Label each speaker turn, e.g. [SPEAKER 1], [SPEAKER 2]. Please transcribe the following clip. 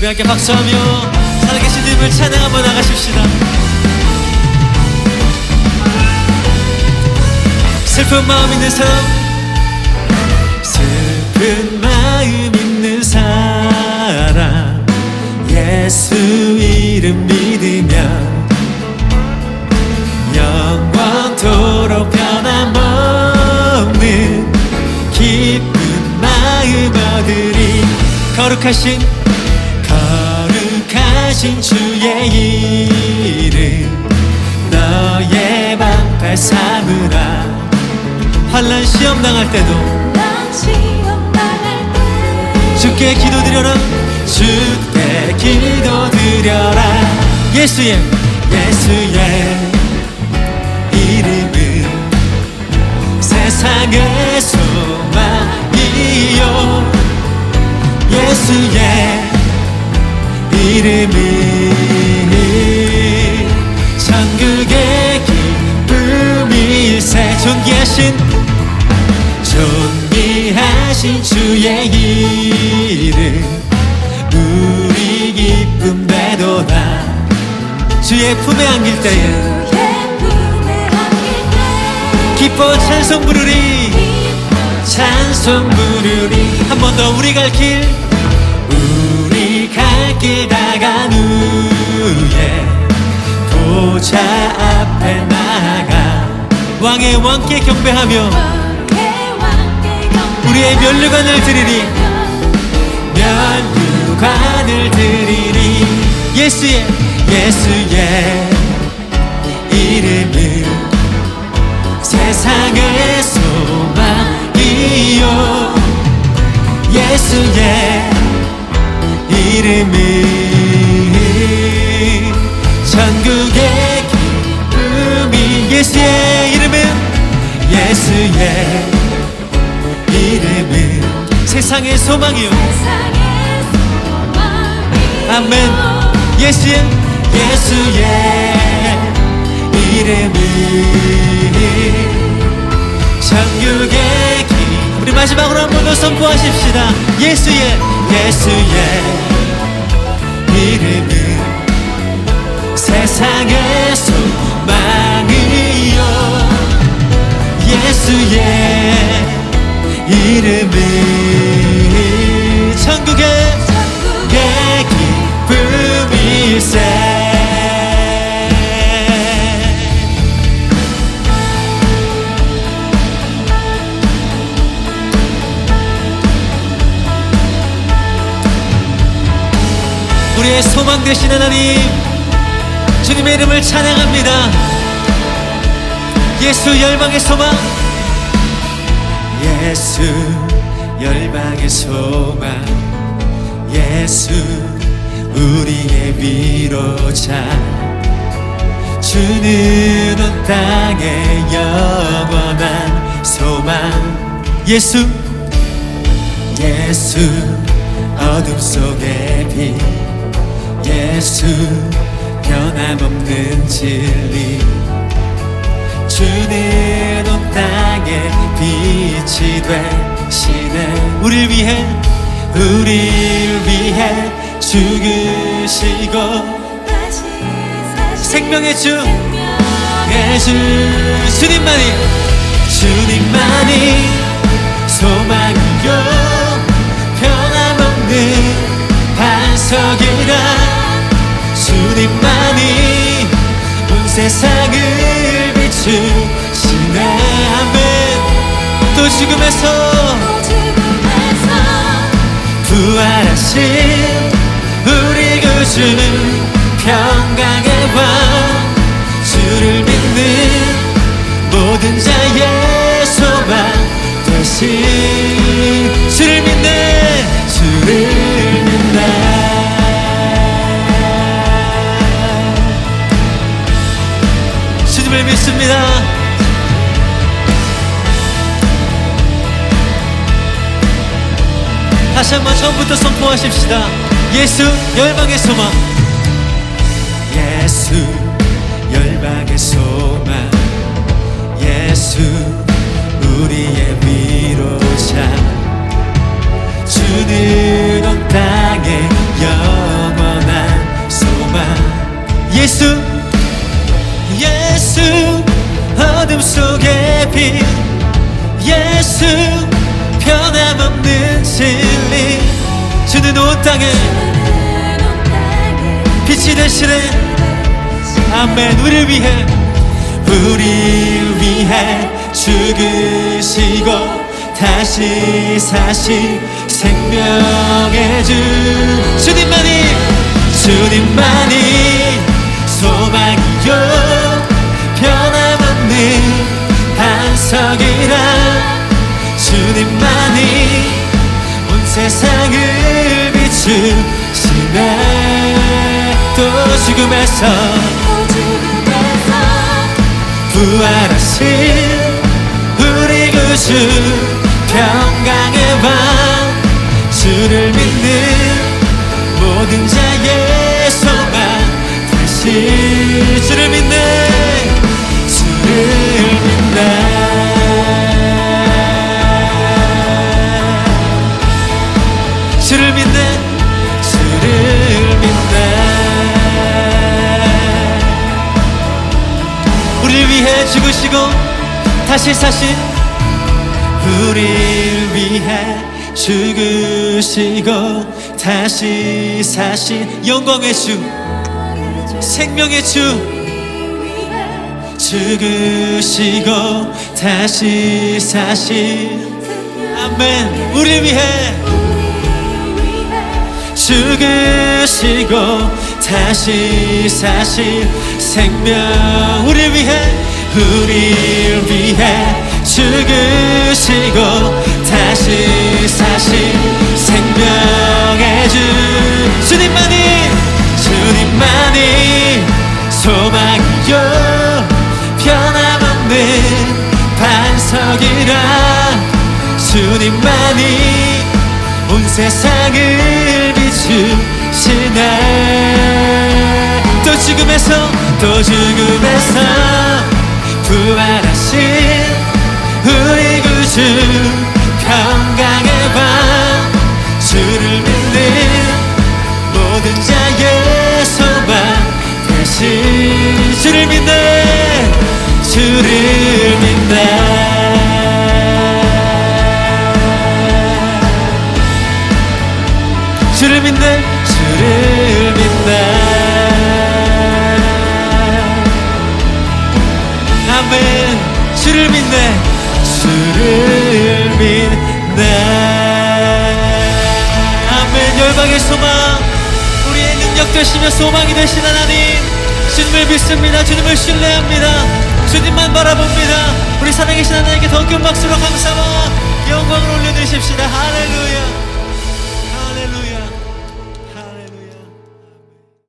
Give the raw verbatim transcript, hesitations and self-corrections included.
[SPEAKER 1] 우리 함께 박수하며 살아계신 주님을 찬양 한번 나가십시다. 슬픈 마음 있는 사람, 슬픈 마음 있는 사람, 예수 이름 믿으면 영원토록 변함없는 기쁜 마음 얻으리. 거룩하신 거룩하신 주의 이름 너의 방패 삼으라. 환난 시험 당할 때도 주께 기도드려라. 주께 기도드려라. 예수의 예수의 이름은 세상의 소망이요. 예수의 이름은 천국의 기쁨일세. 존귀하신 존귀하신 주의 이름 우리 기쁨 되도다. 주의 품에 안길 때에 기뻐 찬송 부르리. 찬송 부르리. 한 번 더. 우리 갈 길 우리 갈 길 다간 후에 보좌 앞에 나가 왕의 왕께 경배하며 우리의 면류관을 드리리. 면류관을 드리리. 예수의 예수의 이름은 세상의 소망이요. 예수의 이름은 천국의 기쁨이. 예수의 이름은 예수의 이름은 세상의 소망이요. 아멘. 예수의 예수의 이름은 천국의 길. 우리 마지막으로 한 번 더 선포하십시다. 예수의 예수의 이름은 세상의 소망이요. 예수의 이름은 천국의 기쁨일세. 우리의 소망 되신 하나님, 주님의 이름을 찬양합니다. 예수 열방의 소망, 예수 열방의 소망, 예수 우리의 위로자. 주는 온 땅의 영원한 소망. 예수 예수 어둠 속의 빛. 예수 변함없는 진리. 주는 온 땅에 빛이 되시네. 우릴 위해 우릴 위해 죽으시고 생명의 주 예수. 주님만이 주님만이 소망이요 변함없는 반석이라. 주님만이 온 세상을 비추시네. 아멘. 또 죽음에서 부활하신 우리 구주는 평강의 왕. 주를 믿는 모든 자의 소망 되신. 주를 믿네 주를 믿네. 주님을 믿습니다. 다시 한번 처음부터 선포하십시다. 예수 열방의 소망. 예수 열방의 소망. 예수 우리의 위로자. 주는 온 땅에 영 주는 온 땅에 빛이 되시네. 아멘. 우리를 위해 우리를 위해 죽으시고 다시 사신 생명의 주 주님만이 주님만이 소망이요 변함없는 반석이라 주님만이 온 세상을 비추시네. 또 죽음에서 부활하신 우리 구주 평강의 밤 주를 믿는 모든 자의 소망 다시 주를 믿네. 주를 믿네. 주를 믿네. 주를 믿네. 우리를 위해 죽으시고 다시 사신 우리를 위해 죽으시고 다시 사신 영광의 주 생명의 주 죽으시고 다시 사신 아멘. 우리를 위해 죽으시고 다시 사신 생명 우리를 위해 우리를 위해 죽으시고 다시 사신 생명의 주 주님만이 주님만이 소망이요 변함없는 반석이라 주님만이 온 세상을 비추시네. 또 죽음에서 또 죽음에서 부활하신 우리 구주 평강의 밤 주를 믿는 모든 자의 소망 다시 주를 믿네. 주를 믿네. 주를 믿네. 주를 믿네. 아멘. 주를 믿네. 주를 믿네. 아멘. 열방의 소망 우리의 능력 되시며 소망이 되신 하나님 주님을 믿습니다. 주님을 신뢰합니다. 주님만 바라봅니다. 우리 살아계신 하나님께 더 큰 박수로 감사와 영광을 올려드리십시다. 할렐루야.